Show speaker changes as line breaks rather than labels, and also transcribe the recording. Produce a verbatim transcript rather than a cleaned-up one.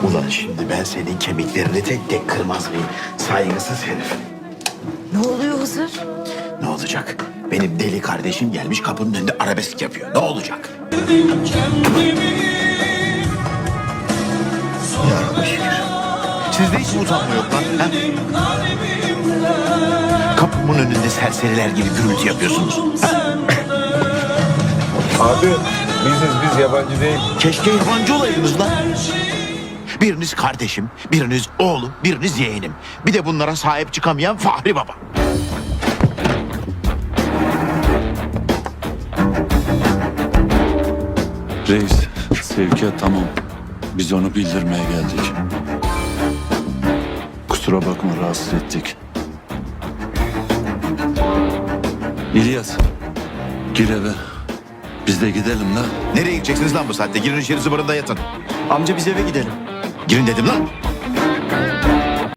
Ulan şimdi ben senin kemiklerini tek tek kırmaz mıyım? Saygısız herif.
Ne oluyor Hızır?
Ne olacak? Benim deli kardeşim gelmiş kapının önünde arabesk yapıyor. Ne olacak? Ya Rabbi şükür. Sizde hiç mi utanma yok lan? Ha? Kapımın önünde serseriler gibi gürültü yapıyorsunuz. Ha?
Abi biziz biz yabancı değil.
Keşke yabancı olaydınız lan. Biriniz kardeşim, biriniz oğlum, biriniz yeğenim. Bir de bunlara sahip çıkamayan Fahri Baba.
Reis, sevkiyat tamam. Biz onu bildirmeye geldik. Kusura bakma rahatsız ettik. İlyas, gir eve. Biz de gidelim lan.
Nereye gideceksiniz lan bu saatte? Girin içeri zıbarında yatın.
Amca biz eve gidelim.
Girin dedim lan.